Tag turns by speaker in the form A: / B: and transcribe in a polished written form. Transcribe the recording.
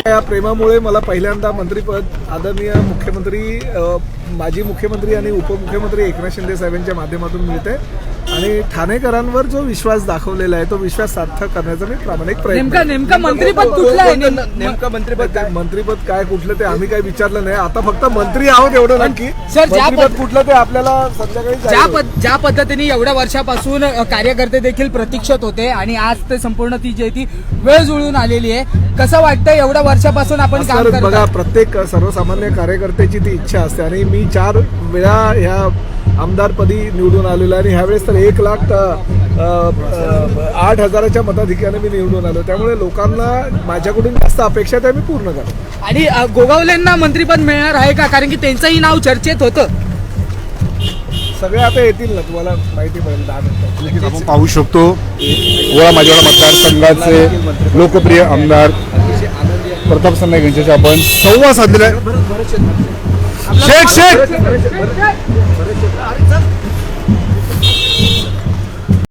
A: या प्रेमामुळे मला पहिल्यांदा मंत्रिपद आदरणीय मुख्यमंत्री माजी मुख्यमंत्री आणि उपमुख्यमंत्री एकनाथ शिंदे साहेबांच्या माध्यमातून मिळते आणि ठाणेकरांवर जो विश्वास दाखवलेला आहे तो विश्वास सार्थक करण्याचा मी प्रामाणिक प्रयत्न.
B: नेमका मंत्रिपद कुठलं आहे?
A: नेमकं मंत्रिपद काय कुठलं ते आम्ही काही विचारलं नाही. आता फक्त मंत्री आहोत एवढं नक्की.
B: सर,
A: मंत्रिपद कुठलं ते आपल्याला संध्याकाळी
B: ज्या पद्धतीने एवढ्या वर्षापासून कार्यकर्ते देखील प्रतीक्षित होते आणि आज ते संपूर्ण ती जी ती वेळ जुळून आलेली आहे, कसं वाटतं एवढ्या वर्षापासून आपण काम करतो?
A: बघा, प्रत्येक सर्वसामान्य कार्यकर्त्याची ती इच्छा असते आणि मी 4 वेळा ह्या आमदारपदी निवडून आलेलो आणि ह्यावेळेस तर 1,08,000च्या मताधिक्याने मी निवडून आलो. त्यामुळे लोकांना माझ्याकडून जास्त अपेक्षा त्या मी पूर्ण करतो.
B: आणि गोगावलेंना मंत्रिपद मिळणार आहे का? कारण की त्यांचंही नाव चर्चेत होतं.
A: सगळे आता येतील ना, तुम्हाला माहिती पडेल 10 मिनिटात.
C: आपण पाहू शकतो गोळा माझ्यावाडा मतदारसंघाचे लोकप्रिय आमदार प्रताप सरनाईक यांच्याशी आपण संवाद साधलेला आहे. शेख